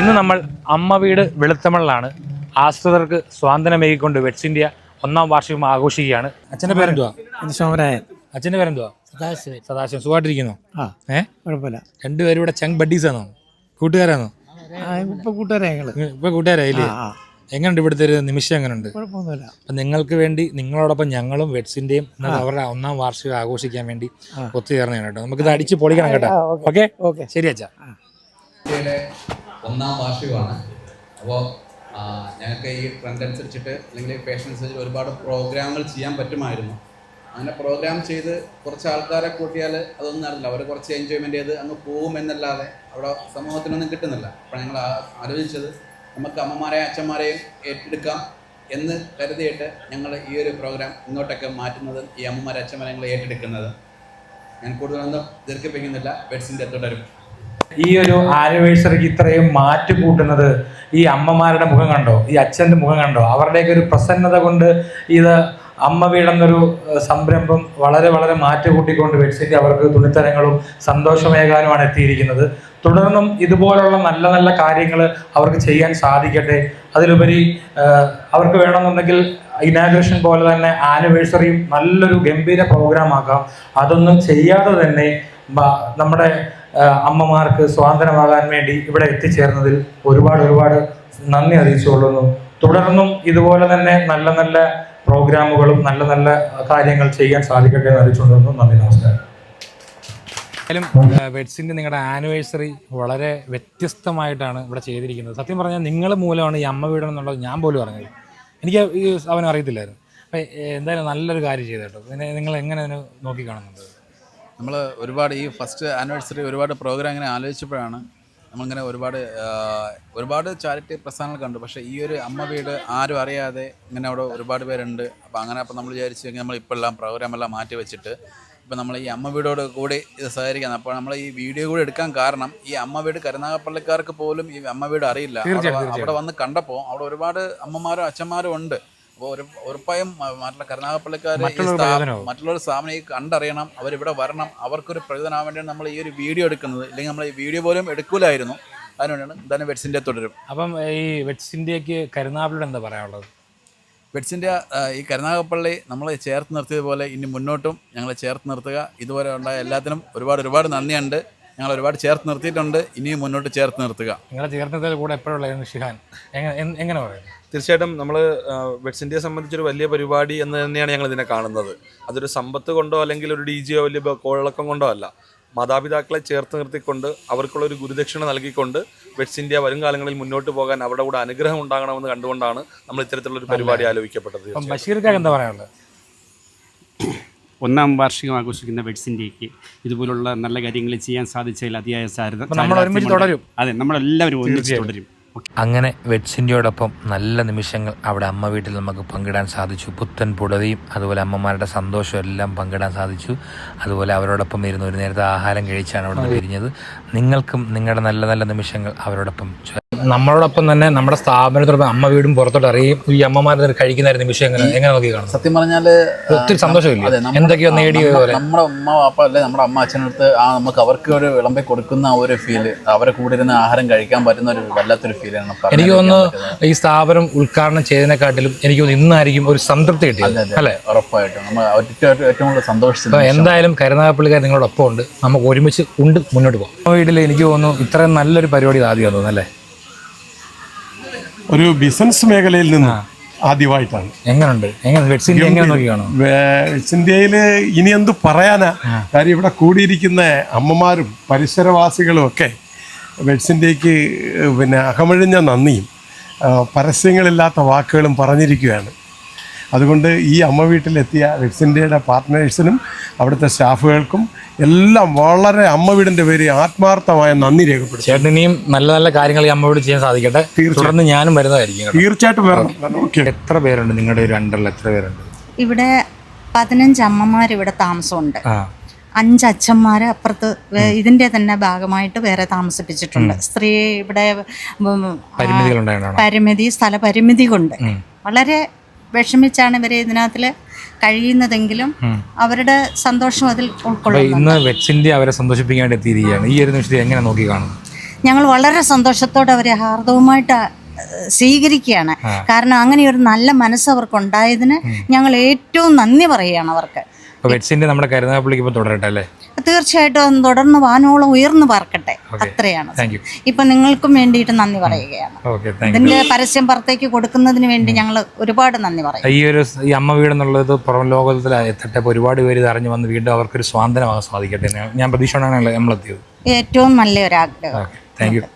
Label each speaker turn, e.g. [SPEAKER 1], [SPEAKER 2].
[SPEAKER 1] ഇന്ന് നമ്മൾ അമ്മ വീട് വെളുത്തമണിലാണ് ആശ്രിതർക്ക് സ്വാതന്ത്ര്യമേകിക്കൊണ്ട് വെറ്റ്സ് ഇന്ത്യ 1ാം വാർഷികം ആഘോഷിക്കുകയാണ്. അച്ഛൻ്റെ പേരെന്തുവാ?
[SPEAKER 2] സോമരായൻ.
[SPEAKER 1] അച്ഛൻ്റെ പേരെന്തുവാ? സദാശിവൻ. സുഖമായിട്ടിരിക്കുന്നു?
[SPEAKER 2] കുഴപ്പമില്ല.
[SPEAKER 1] രണ്ടുപേരും ഇവിടെ ചങ് ബഡീസാണോ, കൂട്ടുകാരാണോ? ഇപ്പൊ കൂട്ടുകാരായില്ലേ? എങ്ങനെയുണ്ട് ഇവിടുത്തെ ഒരു നിമിഷം? എങ്ങനെയുണ്ട്?
[SPEAKER 2] കുഴപ്പമൊന്നുമില്ല.
[SPEAKER 1] അപ്പം നിങ്ങൾക്ക് വേണ്ടി നിങ്ങളോടൊപ്പം ഞങ്ങളും വെറ്റ്സ് ഇന്ത്യയും അവരുടെ 1ാം വാർഷികം ആഘോഷിക്കാൻ വേണ്ടി ഒത്തുചേർന്നതാണ് കേട്ടോ. നമുക്കിത് അടിച്ച് പൊളിക്കണം കേട്ടോ. ഓക്കെ, ശരി അച്ഛാ.
[SPEAKER 3] ഇന്ത്യയിലെ 1ാം വാർഷികമാണ്. അപ്പോൾ ഞങ്ങൾക്ക് ഈ ട്രെൻഡ് അനുസരിച്ചിട്ട് അല്ലെങ്കിൽ ഫാഷൻ അനുസരിച്ച് ഒരുപാട് പ്രോഗ്രാമുകൾ ചെയ്യാൻ പറ്റുമായിരുന്നു. അങ്ങനെ പ്രോഗ്രാം ചെയ്ത് കുറച്ച് ആൾക്കാരെ കൂട്ടിയാൽ അതൊന്നും നടന്നില്ല. അവർ കുറച്ച് എൻജോയ്മെൻറ്റ് ചെയ്ത് അങ്ങ് പോകുമെന്നല്ലാതെ അവിടെ സമൂഹത്തിനൊന്നും കിട്ടുന്നില്ല. അപ്പോൾ ഞങ്ങൾ ആലോചിച്ചത് നമുക്ക് അമ്മമാരെയും അച്ഛന്മാരെയും ഏറ്റെടുക്കാം എന്ന് കരുതിയിട്ട് ഞങ്ങൾ ഈ ഒരു പ്രോഗ്രാം ഇങ്ങോട്ടൊക്കെ മാറ്റുന്നത്, ഈ അമ്മമാരെ അച്ഛന്മാരെ ഞങ്ങൾ ഏറ്റെടുക്കുന്നത്. ഞാൻ കൂടുതലൊന്നും ദീർഘിപ്പിക്കുന്നില്ല. വെറ്റ്സ് ഇന്ത്യ തുടരും.
[SPEAKER 1] ഈ ഒരു ആനിവേഴ്സറിക്ക് ഇത്രയും മാറ്റ് കൂട്ടുന്നത് ഈ അമ്മമാരുടെ മുഖം കണ്ടോ, ഈ അച്ഛൻ്റെ മുഖം കണ്ടോ? അവരുടെയൊക്കെ ഒരു പ്രസന്നത കൊണ്ട് ഇത് അമ്മ വീടെന്നൊരു സംരംഭം വളരെ വളരെ മാറ്റ് കൂട്ടിക്കൊണ്ട് വെറ്റ്സ് ഇന്ത്യ അവർക്ക് തുണിത്തരങ്ങളും സന്തോഷമേകാനുമാണ് എത്തിയിരിക്കുന്നത്. തുടർന്നും ഇതുപോലുള്ള നല്ല നല്ല കാര്യങ്ങൾ അവർക്ക് ചെയ്യാൻ സാധിക്കട്ടെ. അതിലുപരി അവർക്ക് വേണമെന്നുണ്ടെങ്കിൽ ഇനാഗ്രേഷൻ പോലെ തന്നെ ആനിവേഴ്സറിയും നല്ലൊരു ഗംഭീര പ്രോഗ്രാം ആക്കാം. അതൊന്നും ചെയ്യാതെ തന്നെ നമ്മുടെ അമ്മമാർക്ക് സ്വാതന്ത്ര്യമാകാൻ വേണ്ടി ഇവിടെ എത്തിച്ചേർന്നതിൽ ഒരുപാട് നന്ദി അറിയിച്ചുകൊള്ളുന്നു. തുടർന്നും ഇതുപോലെ തന്നെ നല്ല നല്ല പ്രോഗ്രാമുകളും നല്ല നല്ല കാര്യങ്ങൾ ചെയ്യാൻ സാധിക്കട്ടെ എന്ന് അറിയിച്ചുകൊള്ളുന്നു. നന്ദി, നമസ്കാരം. വെറ്റ്സ് ഇന്ത്യ നിങ്ങളുടെ ആനിവേഴ്സറി വളരെ വ്യത്യസ്തമായിട്ടാണ് ഇവിടെ ചെയ്തിരിക്കുന്നത്. സത്യം പറഞ്ഞാൽ നിങ്ങൾ മൂലമാണ് ഈ അമ്മ വീട് എന്നുള്ളത് ഞാൻ പോലും അറിഞ്ഞത്. എനിക്ക് ഈ അവന് അറിയത്തില്ലായിരുന്നു. അപ്പം എന്തായാലും നല്ലൊരു കാര്യം ചെയ്തു കേട്ടോ. പിന്നെ നിങ്ങൾ എങ്ങനെ അതിനെ നോക്കി കാണുന്നുണ്ട്?
[SPEAKER 3] നമ്മൾ ഒരുപാട് ഈ ഫസ്റ്റ് ആനിവേഴ്സറി ഒരുപാട് പ്രോഗ്രാം ഇങ്ങനെ ആലോചിച്ചപ്പോഴാണ് നമ്മളിങ്ങനെ ഒരുപാട് ചാരിറ്റി പ്രസ്ഥാനങ്ങൾ കണ്ടു. പക്ഷേ ഈ ഒരു അമ്മ വീട് ആരും അറിയാതെ ഇങ്ങനെ അവിടെ ഒരുപാട് പേരുണ്ട്. അപ്പോൾ നമ്മൾ വിചാരിച്ചു കഴിഞ്ഞാൽ നമ്മളിപ്പോൾ എല്ലാം പ്രോഗ്രാമെല്ലാം മാറ്റി വെച്ചിട്ട് ഇപ്പോൾ നമ്മൾ ഈ അമ്മ വീടോട് കൂടി ഇത് സഹകരിക്കണം. അപ്പോൾ നമ്മൾ ഈ വീഡിയോ കൂടി എടുക്കാൻ കാരണം ഈ അമ്മ വീട് കരുനാഗപ്പള്ളിക്കാർക്ക് പോലും ഈ അമ്മ വീട് അറിയില്ല. അവിടെ വന്ന് കണ്ടപ്പോൾ അവിടെ ഒരുപാട് അമ്മമാരും അച്ഛന്മാരും ഉണ്ട്. അപ്പോൾ ഉറപ്പായും മറ്റുള്ള കരുനാഗപ്പള്ളിക്കാർ മറ്റുള്ളവർ സ്ഥാപനം ഈ കണ്ടറിയണം, അവരിവിടെ വരണം, അവർക്കൊരു പ്രയോജനമാകാൻ വേണ്ടിയാണ് നമ്മൾ ഈ ഒരു വീഡിയോ എടുക്കുന്നത്. ഇല്ലെങ്കിൽ നമ്മൾ ഈ വീഡിയോ പോലും എടുക്കൂലായിരുന്നു. അതിനുവേണ്ടിയാണ് എന്തായാലും വെറ്റ്സ് ഇന്ത്യ തുടരും.
[SPEAKER 1] അപ്പം ഈ വെറ്റ്സ് ഇന്ത്യക്ക് കരുനാഗപ്പള്ളിയോട് എന്താ പറയാനുള്ളത്?
[SPEAKER 3] വെറ്റ്സ് ഇന്ത്യ ഈ കരുനാഗപ്പള്ളി നമ്മളെ ചേർത്ത് നിർത്തിയതുപോലെ ഇനി മുന്നോട്ടും ഞങ്ങളെ ചേർത്ത് നിർത്തുക. ഇതുവരെ ഉണ്ടായ എല്ലാത്തിനും ഒരുപാട് നന്ദിയുണ്ട്. ഞങ്ങൾ ഒരുപാട് ചേർത്ത് നിർത്തിയിട്ടുണ്ട്. ഇനിയും മുന്നോട്ട് ചേർത്ത് നിർത്തുക.
[SPEAKER 1] നിങ്ങളെ ചേർത്ത് നിർത്തിയാൽ കൂടെ എപ്പോഴുള്ള ഷിഹാൻ എങ്ങനെ പറയും?
[SPEAKER 4] തീർച്ചയായിട്ടും നമ്മൾ വെറ്റ്സ് ഇന്ത്യയെ സംബന്ധിച്ചൊരു വലിയ പരിപാടി എന്ന് തന്നെയാണ് ഞങ്ങൾ ഇതിനെ കാണുന്നത്. അതൊരു സമ്പത്ത് കൊണ്ടോ അല്ലെങ്കിൽ ഒരു DJയോ വലിയ കോളിളക്കം കൊണ്ടോ അല്ല. മാതാപിതാക്കളെ ചേർത്ത് നിർത്തിക്കൊണ്ട് അവർക്കുള്ളൊരു ഗുരുദക്ഷിണ നൽകിക്കൊണ്ട് വെറ്റ്സ് ഇന്ത്യ വരും കാലങ്ങളിൽ മുന്നോട്ട് പോകാൻ അവരുടെ കൂടെ അനുഗ്രഹം ഉണ്ടാകണമെന്ന് കണ്ടുകൊണ്ടാണ് നമ്മൾ ഇത്തരത്തിലുള്ളൊരു പരിപാടി ആലോചിക്കപ്പെട്ടത്.
[SPEAKER 1] ബഷീർക്കാർ എന്താ പറയാനുള്ളത്?
[SPEAKER 5] 1ാം വാർഷികം ആഘോഷിക്കുന്ന വെറ്റ്സ് ഇന്ത്യക്ക് ഇതുപോലുള്ള നല്ല കാര്യങ്ങൾ ചെയ്യാൻ സാധിച്ചതിൽ അതിയായ അതെ, നമ്മളെല്ലാവരും ഒന്നിച്ച് തുടരും.
[SPEAKER 6] അങ്ങനെ വെറ്റ്സ് ഇന്ത്യയോടൊപ്പം നല്ല നിമിഷങ്ങൾ അവിടെ അമ്മ വീട്ടിൽ നമുക്ക് പങ്കിടാൻ സാധിച്ചു. പുത്തൻ പുടവയും അതുപോലെ അമ്മമാരുടെ സന്തോഷവും എല്ലാം പങ്കിടാൻ സാധിച്ചു. അതുപോലെ അവരോടൊപ്പം ഇരുന്ന് ഒരു നേരത്തെ ആഹാരം കഴിച്ചാണ് അവിടെ നിന്ന് പിരിഞ്ഞത്. നിങ്ങൾക്കും നിങ്ങളുടെ നല്ല നല്ല നിമിഷങ്ങൾ അവരോടൊപ്പം
[SPEAKER 1] നമ്മളോടൊപ്പം തന്നെ നമ്മുടെ സ്ഥാപനത്തോടൊപ്പം അമ്മ വീടും പുറത്തോട്ട് അറിയും. ഈ അമ്മമാർ കഴിക്കുന്ന ഒരു നിമിഷം എങ്ങനെ നോക്കി കാണും?
[SPEAKER 3] സത്യം പറഞ്ഞാൽ
[SPEAKER 1] ഒത്തിരി സന്തോഷമില്ല, എന്തൊക്കെയോ നേടിയ പോലെ.
[SPEAKER 3] നമ്മുടെ ഉമ്മ വാപ്പ അല്ലെ നമ്മുടെ അമ്മ അച്ഛനടുത്ത് നമുക്ക് അവർക്ക് ഒരു വിളമ്പി കൊടുക്കുന്ന ഒരു ഫീല്, അവരെ കൂടെ ഇരുന്ന് ആഹാരം കഴിക്കാൻ പറ്റുന്ന ഒരു വല്ലാത്തൊരു ഫീലാണ്.
[SPEAKER 1] എനിക്ക് തോന്നുന്നു ഈ സ്ഥാപനം ഉദ്ഘാടനം ചെയ്തതിനെക്കാട്ടിലും എനിക്ക് തോന്നുന്നു ഇന്നായിരിക്കും ഒരു സംതൃപ്തി കിട്ടിയത് അല്ലേ?
[SPEAKER 3] ഉറപ്പായിട്ടും നമ്മൾ ഏറ്റവും കൂടുതൽ സന്തോഷിച്ചു.
[SPEAKER 1] എന്തായാലും കരുനാഗപ്പള്ളിക്കാർ നിങ്ങളോടൊപ്പം ഉണ്ട്. നമുക്ക് ഒരുമിച്ച് മുന്നോട്ട് പോകാം. വീട്ടിൽ എനിക്ക് തോന്നുന്നു ഇത്രയും നല്ലൊരു പരിപാടി ആദ്യം തോന്നുന്നു അല്ലേ?
[SPEAKER 7] ഒരു ബിസിനസ് മേഖലയിൽ നിന്ന് ആദ്യമായിട്ടാണ്.
[SPEAKER 1] എങ്ങനെയുണ്ട് വെറ്റ്സ് ഇന്ത്യ എങ്ങനെ നോക്കി കാണും?
[SPEAKER 7] വെറ്റ്സ് ഇന്ത്യയിൽ ഇനി എന്ത് പറയാനാ? കാര്യം ഇവിടെ കൂടിയിരിക്കുന്ന അമ്മമാരും പരിസരവാസികളും ഒക്കെ വെറ്റ്സ് ഇന്ത്യക്ക് അകമഴിഞ്ഞ നന്ദിയും പരസ്യങ്ങളില്ലാത്ത വാക്കുകളും പറഞ്ഞിരിക്കുകയാണ്. അതുകൊണ്ട് ഈ അമ്മ വീട്ടിലെത്തിയ വെറ്റ്സ് ഇന്ത്യയുടെ പാർട്ട്നേഴ്സിനും അവിടുത്തെ സ്റ്റാഫുകൾക്കും എല്ലാം വളരെ അമ്മ വീടിൻ്റെ പേര് ആത്മാർത്ഥമായ നന്ദി രേഖപ്പെടുത്തും.
[SPEAKER 1] ചേട്ടൻ ഇനിയും നല്ല നല്ല കാര്യങ്ങൾ ഈ അമ്മ വീട് ചെയ്യാൻ സാധിക്കട്ടെ. തുടർന്ന് ഞാനും വരുന്നതായിരിക്കും.
[SPEAKER 7] തീർച്ചയായിട്ടും വരണം.
[SPEAKER 1] എത്ര പേരുണ്ട് നിങ്ങളുടെ ഒരു അണ്ടറിൽ? എത്ര പേരുണ്ട്
[SPEAKER 8] ഇവിടെ? 15 അമ്മമാർ ഇവിടെ താമസമുണ്ട്. 5 അച്ഛന്മാർ അപ്പുറത്ത് ഇതിന്റെ തന്നെ ഭാഗമായിട്ട് വേറെ താമസിപ്പിച്ചിട്ടുണ്ട്. സ്ത്രീ ഇവിടെ സ്ഥലപരിമിതി കൊണ്ട് വളരെ വിഷമിച്ചാണ് ഇവരെ ഇതിനകത്തിൽ കഴിയുന്നതെങ്കിലും അവരുടെ സന്തോഷം അതിൽ ഉൾക്കൊള്ളുന്നു.
[SPEAKER 1] ഇന്ന് വെറ്റ്സ് ഇന്ത്യ അവരെ സന്തോഷിപ്പിക്കാൻ വേണ്ടി എത്തിയിരിക്കുകയാണ്. ഈ ഒരു നിമിഷത്തിൽ എങ്ങനെ നോക്കി കാണുന്നു?
[SPEAKER 8] ഞങ്ങൾ വളരെ സന്തോഷത്തോടെ അവരെ ഹാർദവുമായിട്ട് സ്വീകരിക്കുകയാണ്. കാരണം അങ്ങനെ ഒരു നല്ല മനസ്സ് അവർക്കുണ്ടായതിന് ഞങ്ങൾ ഏറ്റവും നന്ദി പറയുകയാണ് അവർക്ക്.
[SPEAKER 1] വെറ്റ്സ് ഇന്ത്യ നമ്മുടെ കരുനാഗപ്പള്ളിക്ക് ഇപ്പോൾ തുടരട്ടെ അല്ലേ?
[SPEAKER 8] തീർച്ചയായിട്ടും അത് തുടർന്ന് വാനോളം ഉയർന്നു പാർക്കട്ടെ, അത്രയാണ്. ഇപ്പൊ നിങ്ങൾക്കും വേണ്ടിയിട്ട് നന്ദി പറയുകയാണ്. ഇതിന്റെ പരസ്യം പുറത്തേക്ക് കൊടുക്കുന്നതിന് വേണ്ടി ഞങ്ങൾ ഒരുപാട് നന്ദി പറയും.
[SPEAKER 1] ഈ അമ്മ വീട് എന്നുള്ളത് പുറം ലോകത്തിൽ എത്തട്ടെ, ഒരുപാട് പേര് ഇത് അറിഞ്ഞു വന്ന് വീണ്ടും അവർക്കൊരു സ്വാതന്ത്ര്യമാകാൻ സാധിക്കട്ടെ. ഞാൻ പ്രതീക്ഷയോടാണ് നമ്മളെത്തിയത്.
[SPEAKER 8] ഏറ്റവും നല്ലൊരാഗ്രഹം.
[SPEAKER 1] Thank you.